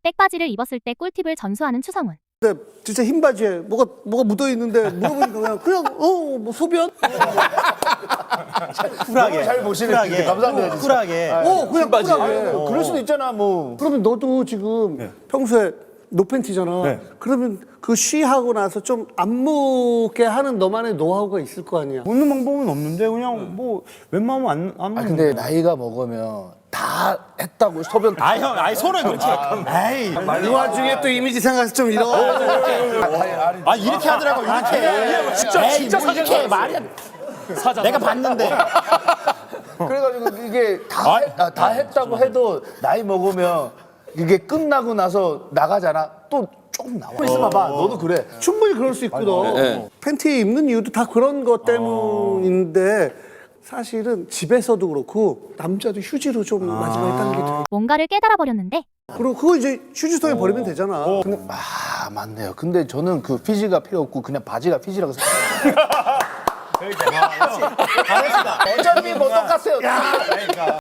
백바지를 입었을 때 꿀팁을 전수하는 추성훈. 근데 진짜 흰 바지에 뭐가 묻어 있는데 물어보니까 그냥 뭐 소변? 쿨하게. 잘 보시네. 진짜 감사합니다. 진짜. 쿨하게. 그냥 바지. 쿨하게. 그럴 수도 있잖아 뭐. 그러면 너도 지금 평소에 노팬티잖아. 네. 그러면 그 쉬하고 나서 좀 안 묻게 하는 너만의 노하우가 있을 거 아니야. 묻는 방법은 없는데 그냥 뭐 웬만하면 안 묻는. 근데 나이가 먹으면 다 했다고 소변. 형, 손을 그렇게. 에이. 이 와중에 또 이미지 생각해서 좀 이런. 이렇게 하더라고, 이렇게. 진짜 뭐 이렇게 말이야. 내가 봤는데. 그래가지고 이게 다 했다고 해도 나이 먹으면 이게 끝나고 나서 나가잖아. 또 조금 나와. 있어봐봐. 너도 그래. 충분히 그럴 수 있거든. 팬티 입는 이유도 다 그런 것 때문인데 사실은 집에서도 그렇고 남자도 휴지로 좀 마지막에 닦는 게 돼. 뭔가를 깨달아 버렸는데 그리고 그거 이제 휴지통에 버리면 되잖아. 근데 맞네요. 근데 저는 그 피지가 필요 없고 그냥 바지가 피지라고 생각해요. 어차피 뭐 똑같아요.